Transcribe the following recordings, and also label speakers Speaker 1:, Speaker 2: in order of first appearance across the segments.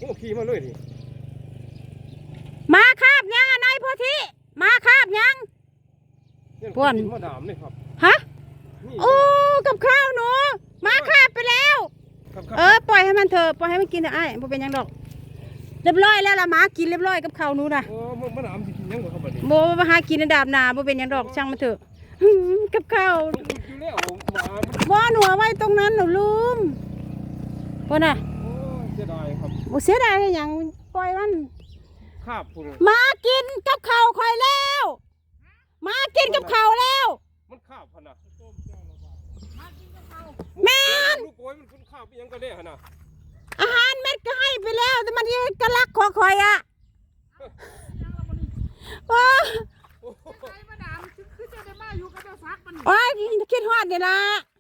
Speaker 1: อ้ขี่มาเลยดิ
Speaker 2: มาคาบยังนายโพธิมาคาบยัง
Speaker 1: ป่วนมาดามเลยครับ
Speaker 2: ฮะโอ้กับข้าวหนูมาคาบไปแล้วปล่อยให้มันเถอะปล่อยให้มันกินเถอะไอ้บ่เป็นยังดอกเรียบร้อยแล้วล่ะหมากินเรียบร้อยกับข้าวหนูนะ
Speaker 1: โอ้มาดามสิกินยังบ่ครับบัดนี้
Speaker 2: โบมาหากินในดาบนาบ่เป็นยังดอกช่างมันเถอะกับข้าว
Speaker 1: อยู่แล้ว
Speaker 2: บ่หนูเอาไว้ตรงนั้นหนูลืมบ่น่ะ
Speaker 1: โอ้เสียดายครับ
Speaker 2: บ่เสียดายหยังปล่อยมัน
Speaker 1: คาบพุ่น
Speaker 2: มากินกับข้าวค่อยแล้วมากินกับข้าวแล้ว
Speaker 1: มันคาบพุ่นน่ะ
Speaker 2: แม่น
Speaker 1: ลูกโอยมันคาบอีหยังก็ได้หั่นน่ะ
Speaker 2: อาหารเม็ดก็ให้ไปแล้วแต่มันกระลักของข่อยอ่ะโอ้ยคิดฮอดนี่ล่ะ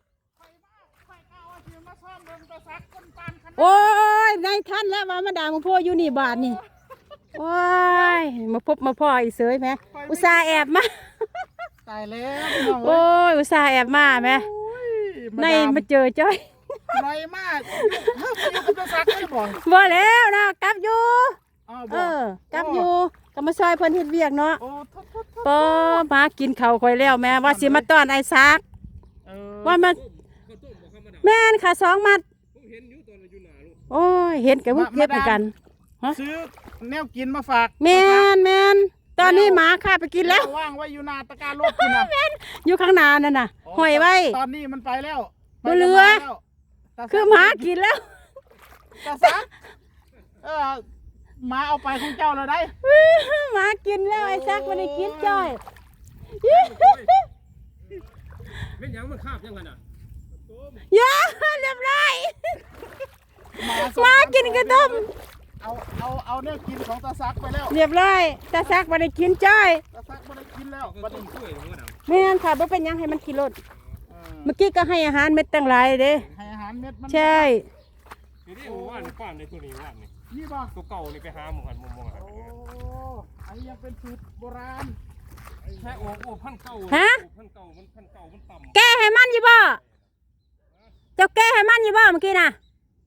Speaker 2: โอ้ยในท่านแล้วว่ามาด่ามึงพ่ออยู่นี่บาทนี่โอ้ยมาพบมาพ่ออีเสยไหมอุตส่าห์แอบมา
Speaker 3: ตายแล้ว
Speaker 2: โอ้ยอุตส่าห์แอบมาไหมในมาเจอจ้อย
Speaker 3: ไรมากอยู่กับตัวซักไม่บอก
Speaker 2: บ่แล้วนะกลับอยู่กลับอยู่ก็มาซอยเพิ่นเฮ็ดเวียกเนาะปอมากินข้าวค่อยแล้วแม่ว่าสิมาต้อนไอ้ซักว่ามาแม่นค่ะ2 มัดโอ้ยเห็นกับพวกเก็บเหมือนกัน
Speaker 3: ซื้อแนวกินมาฝาก
Speaker 2: แม่นตอนนี้หมาข้าไปกินแล้ว
Speaker 3: ว่างไว้อยู่นาตะการรถคุณนะ
Speaker 2: อยู่ข้างนานั่นน่ะห้อยไว้
Speaker 3: ตอนนี้มันไปแล้ว
Speaker 2: บ่เหลือคือหมากินแล้ว
Speaker 3: ตาซักหมาเอาไปของเจ้าแล้วได้
Speaker 2: หมากินแล้วไอ้ซักมันได้กินจ้อย
Speaker 1: เป็นยังมันคาบยังไงน่ะ
Speaker 2: เยอะเรียบร้อยหมากินกระต้ม
Speaker 3: เอาเนี่ยกินของตาซักไปแล้ว
Speaker 2: เรียบร้อยตาซักมันได้กินจ้อย
Speaker 3: ตาซักมันได้กินแล้วบัดนี้
Speaker 2: แม่นค่ะบ่เป็นยังให้มันกินรสเมื่อกี้ก็ให้อาหารเม็ดตั้งหลายเด้
Speaker 3: ให้อาหารเม็ดมัน
Speaker 2: ใช่
Speaker 1: นี่ว่านป้านในตัวนี้ว่าน
Speaker 3: นี่ป่ะ
Speaker 1: ตัวเก่านี่ไปหาหมู่กันมอง
Speaker 3: โอ้อันนี้ยังเป็นสูตรโบราณ
Speaker 1: ใช่โอ้พันเก่ามันต่ำ
Speaker 2: แก้ให้มันอยู่บ่เจ้าแก้ให้มันอยู่บ่เมื่อกี้น่ะ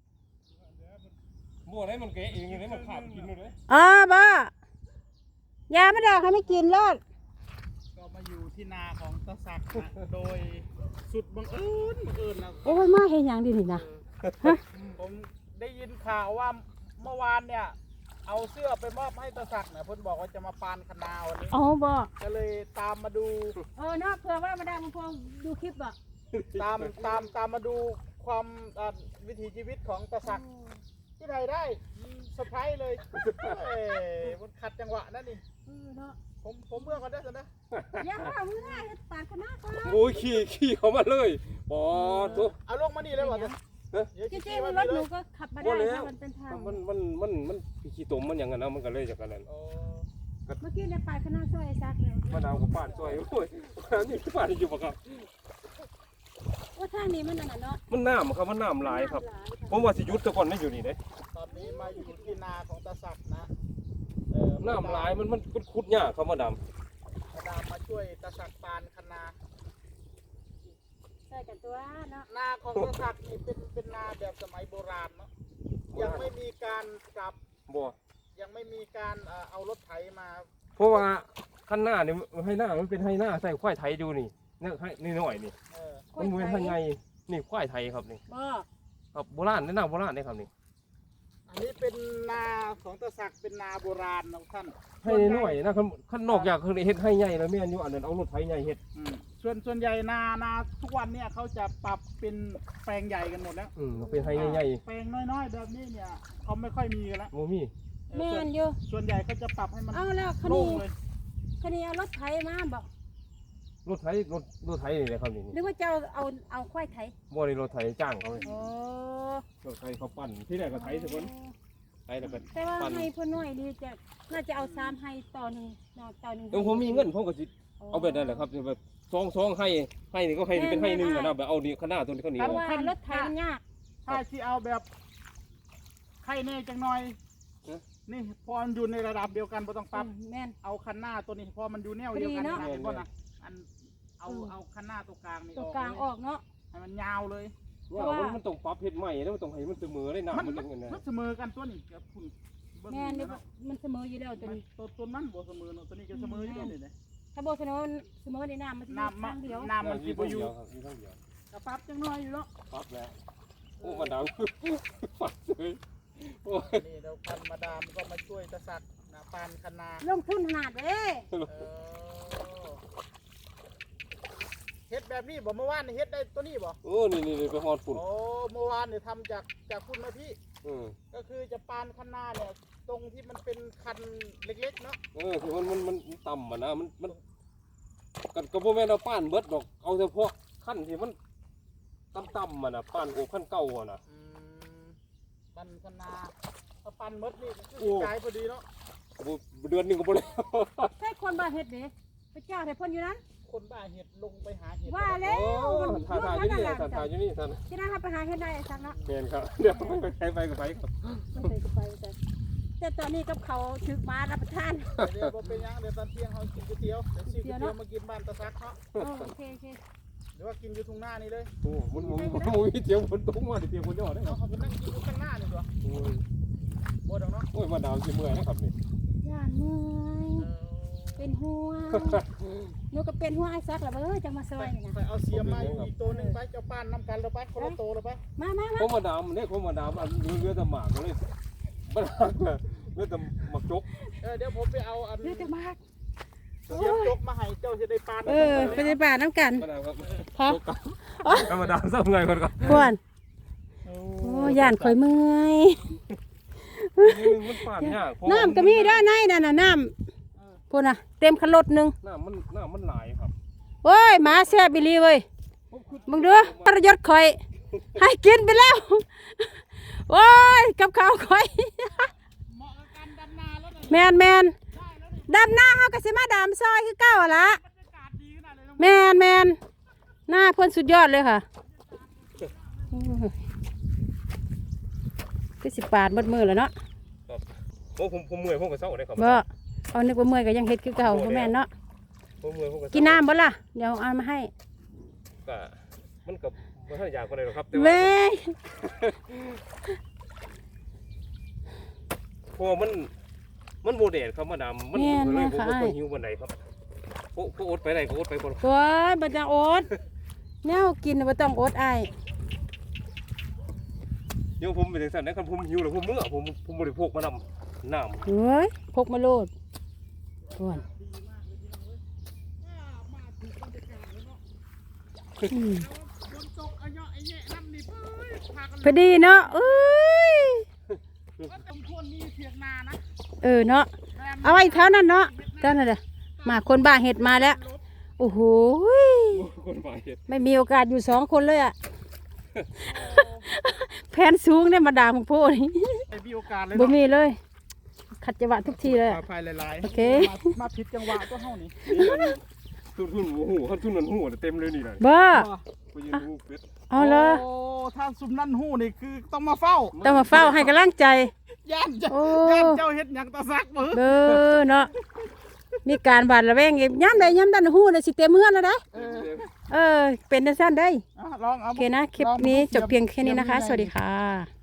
Speaker 1: บ่ได้มันแกะเองเลยมันขาดกินเลย
Speaker 2: บ่ยาไม่ดอกให้ไม่กินรอด
Speaker 3: ก็มาอยู่ที่นาของตาศักดิ์โดยสุดบังเอิญนะ
Speaker 2: โอ้ยมาเห็นอย่างดีนี่นะ
Speaker 3: ผมได้ยินข่าวว่าเมื่อวานเนี่ยเอาเสื้อไปมอบให้ตาศักดิ์เนี่ยเพิ่นบอกว่าจะมาปานคณาวันนี้
Speaker 2: บ่
Speaker 3: ก็เลยตามมาดู
Speaker 2: เนาะเผื่อว่ามาได้มาพงดูคลิปอ่ะ
Speaker 3: ตามมาดูความวิถีชีวิตของตาศักดิ์ที่ไหนได้เซอร์ไพรส์เลยมันขัดจังหวะนั่นนี่ผมเมื่อกันได้สินะ
Speaker 2: อย่าเอาเมื่อปาดคณะก่อน
Speaker 1: โอ้ยขี่เขามาเลยทุก
Speaker 3: เอาลงมานี่เลยว่ะ
Speaker 2: จริงๆรถหนูก็ขับมาได้มันเป็นทาง
Speaker 1: มันขี่ตมมันอย่างนั้นนะมันก็เลยจากนั้น
Speaker 2: เมื่อกี้ในปาดคณะซอยซักเลย
Speaker 1: มาดาวกับป้านซอยโอ้ยนี่ป้านอยู่ปะครับ
Speaker 2: ว่าทางนี้มันนั่นเนาะ
Speaker 1: มันน้ำครับมันน้ำหลายครับผมว่าสิยุทธก่อนนี่อยู่นี่เด้
Speaker 3: ตอนนี้มาอยู่ที่นาของตาศักดิ์นะ
Speaker 1: น้ำหลายมันคุดยากครับมาดาม
Speaker 3: มาช่วยตาศักดิ์ปานคณา
Speaker 2: ใช่กันตัวเนาะ
Speaker 3: นาของตาศักดิ์นี่เป็นนาแบบสมัยโบราณเนาะยังไม่มีการกลับยังไม่มีการเอารถไถมา
Speaker 1: เพราะว่าขั้นหน้านี่ให้หน้ามันเป็นให้หน้าใส่ควายไถดูนี่นี่หน่อยนี่มันเหมือนทางไงนี่ควายไทยครับนี่ครับโบราณนี่นาโบราณนี่ครับนี่
Speaker 3: อันนี้เป็นนาของตาศักดิ์เป็นนาโบราณนะท่าน
Speaker 1: ให้หน่อยนะขั้นนอกจากคือเฮ็ดให้ใหญ่แล้วแม่นอยู่อันนั้นเอารถไถใหญ่เฮ็ด
Speaker 3: ส่วนใหญ่นาทุกวันเนี่ยเขาจะปรับเป็นแปลงใหญ่กันหมดแล้ว
Speaker 1: เป็นให้ใหญ่
Speaker 3: แปลงน้อยๆแบบนี้เนี่ยเขาไม่ค่อยมีกันแล้ว
Speaker 1: โมมี่
Speaker 2: แม่นอยู่
Speaker 3: ส่วนใหญ่เขาจะปรับให้มัน
Speaker 2: เอาแล้วคันนี้เอารถไถมาบอก
Speaker 1: รถไถนี่แหละครับนี่
Speaker 2: นึกว่าจะเอาควายไถ
Speaker 1: บ่ได้รถไถจ้างเขาเลยรถไถเขาปั่นที่ไหนก็ไถทุกคนไถแล้วก็
Speaker 2: แต่ว่าให้เพิ่นน้อยดีจะน่าจะเอา3ให้ต่อ1ต่อ1
Speaker 1: ผมมีเงินผมก็สิเอาแบบนั้นแหละครับแบบ2ให้นี่ก็ให้เป็นให้1นะแบบเอานี่ขนาดตัวนี้เขาหนี
Speaker 2: เพราะว่ารถไถมันยาก
Speaker 3: ถ้าสิเอาแบบให้แน่จังหน่อยนี่พอมันอยู่ในระดับเดียวกันบ่ต้องปรับ
Speaker 2: แม่น
Speaker 3: เอาคันหน้าตัวนี้พอมันอยู่แนวเดียวกันนะเห็นบ่นะเอาคันหน้าตัวกลางนี่
Speaker 2: ตัวกลางออกเนาะ
Speaker 3: ให้มันยาวเลย
Speaker 1: เนี่ยมันต้องปรับเฮ็ดใหม่แล้วมันต้องให้มันเสมอได้น้ำมันจังไงนะ
Speaker 3: มันเสมอกันตัวนี้กับคุณ
Speaker 2: แม่นี่มันเสมออยู่แล้วตัวนี้
Speaker 3: ตัวนั้นบ่เสมอเนาะตัวนี้ก็เสมออยู่นี่นะ
Speaker 2: ถ้าบ่เสมอในน้ำมันสิอยู่ข้างเดียว
Speaker 3: น้ำมันสิบ่อยู่
Speaker 1: มีทั้งเดียว
Speaker 3: กระปั๊บจังน้อยอยู่เนาะ
Speaker 1: ปรับแล้วโอ้มาดามปัดเลยโอ้ย
Speaker 3: นี่เราพันมาดามก็มาช่วยตะสักนะปานคันนา
Speaker 2: ลงทุนขนาดเด้
Speaker 3: เฮ็ดแบบนี้บ่เมื่อวานนี่เฮ็ดได้ตัวนี้บ่
Speaker 1: โอ้นี่ไปฮอดฝุ่น
Speaker 3: โอ้เมื่อวานเนี่ยทำจากคุณนะพี่ก็คือจะปานคันนาเนี่ยตรงที่มันเป็นคันเล็กๆเนาะ
Speaker 1: คือมันต่ำอ่ะนะมันกันกระโปรงแม่เราป้านเบิดดอกเอาเฉพาะขั้นที่มันต่ำอ่ะนะป้านโอ้ขั้นเก่าอ่ะนะ
Speaker 3: ปันคันนาถ้าปันมดนี่คือกายพอดีเนาะ
Speaker 1: เดือนหนึ่งก็บ่ได้
Speaker 2: ใช่คนบ้าเฮ็ดเด้พระเจ้าให้เพิ่นอยู่นั้น
Speaker 3: คนบ้าเห็ดลงไปหาเห็ด
Speaker 2: ว่าแล้ว
Speaker 1: ถ่ายอยู่นี่ถ่ายอยู่นี่ท่าน
Speaker 2: ที่นั่นไปหาเฮ็ดได้ซักเนาะ
Speaker 1: เมนครับเดี๋ยวไปกับไปครับ
Speaker 2: แต่ตอนนี้กับเขาถึกมารับประทาน
Speaker 3: เดี๋ยวเป็นยังเดี๋ยวตอนเที่ยงเขากินก๋วยเตี๋ยวเดี๋ยวซื้อก๋วยเตี๋ยวมากินบ้านตะซักเนาะ
Speaker 2: โอเค
Speaker 3: หรือว่ากินอยู่ทุ่งหน้านี่เลย
Speaker 1: โอ้มันมีเสียงฝนตกมาเสียงฝนยอดได้ค
Speaker 3: เอา
Speaker 1: รับ
Speaker 3: เขาไปนั่งกินอยู่ข้างหน้านี่ตัวโบดเนาะ
Speaker 1: โอ้ยมาดาวสิเมื่อยนะครับนี่
Speaker 2: ย่านเมื่อยเป็นห่วงหนูก็เป็นห่วงไอ้ซักล่ะเบ้อจังมาซอยนี่นะ
Speaker 3: ไปเอาเสียมาอีกตัวหนึ่งไปเจ้าป้านน้ำกันเราไปคนละโตเราไป
Speaker 2: มา
Speaker 1: ผมมาดามเนี่ยผมมาดามเรือตะหมากเลยมันเรือตะหมากจก
Speaker 3: เดี๋ยวผมไปเอาอัน
Speaker 2: เลือดมาก
Speaker 3: เสียบจกมาให้เจ้าจะได้ปาน
Speaker 2: ไปในป่าน้ำกัน
Speaker 1: มาดามครับ
Speaker 2: พอ
Speaker 1: มาดามสักไงก่อนครับ
Speaker 2: ควรโอ้ย่านข่อยเมื่อย
Speaker 1: มันป่านยาก
Speaker 2: น้ำก็มีด้านในนั่นน่ะน้ำพูดนะเต็มคันรถนึง
Speaker 1: น้ำมันหลายครับ
Speaker 2: โอ้ยหมาแซ่บบิลีเว้ยมึงดูประยศข่อยให้กินไปแล้วโอ้ยกับข้าวข่อย
Speaker 3: เหมาะกับการดำนาแล้ว
Speaker 2: แมนดำหน้าเฮาก็สิมาดำซอยคือเก่าหั่นละ
Speaker 3: บรรยากาศดีขนาดเลย
Speaker 2: แมนหน้าเพิ่นสุดยอดเลยค่ะคือสิปาดหมดมือแล้วเนาะ
Speaker 1: โอ้ผมเมื่อยผมก็เศร้าเลยครับ
Speaker 2: บ่เอานึกว่าเมื่อยก็ยังเฮ็ดคือเก่าบ่แม่นเนาะ
Speaker 1: ผมเมื่อยผมก็
Speaker 2: กินน้ำบ่ล่ะเดี๋ยวเอามาให้
Speaker 1: ก็มันกับมันท่านอยากกว่าใดหรอกครับ
Speaker 2: เว้ย
Speaker 1: เพราะมันโมเดลครับมาดามมันเลยผมก็หิววันไหนครับก็อดไปไหนก็อดไปคน
Speaker 2: โอ้ยบ่ต้องอดแนวกินบ่ต้องอดอ้าย
Speaker 1: เดี๋ยวผมเป็นจังซั่นนะครับผมหิวแล้วผมเมื่อผมบริโภคมานำน้ำ
Speaker 2: เฮ้ยพกมาโลดก่อนพอดีเนาะเอ้ย
Speaker 3: สมควรมีเสียงนานะ
Speaker 2: เนาะเอาไว้เท่านั้นเนาะเท่านั้นแหละมาคนบ้าเห็ดมาแล้วโอ้โห
Speaker 1: คนฝ่ายเห็ด
Speaker 2: ไม่มีโอกาสอยู่2 คนเลยอ่ะ แผนสูงเนี่ยมาด่าของพ่อนี่
Speaker 3: ไอ้มีโอกาสเลย
Speaker 2: บ่มีเลยขัดจังหวะทุกทีเลย
Speaker 3: ภายหลายๆ
Speaker 2: โอเค
Speaker 3: มาผิดจังหวะก็เท่านี้
Speaker 1: ทุนหูทุนนันหูเต็มเลยนี่นะ
Speaker 2: บ่
Speaker 1: ไปยืนหูเป็ด
Speaker 2: เอาเลย
Speaker 3: โอ้ถ้าซุมนั่นหู้นี่คือต้องมาเฝ้า
Speaker 2: ต้องมาเฝ้าให้กำลังใจ
Speaker 3: ย่านเจ้า
Speaker 2: โอ้
Speaker 3: ย่านเจ้าเฮ็ดหยังตาซักมือ
Speaker 2: เบ้อเนาะมีการบาดระแวงอีกย้ำใดย้ำดันหู้เลยสิเต็มเฮือนแล้วนะเป็นจังซั่นได้
Speaker 3: ลองเอา
Speaker 2: โอเคนะคลิปนี้จบเพียงแค่นี้นะคะ สวัสดีค่ะ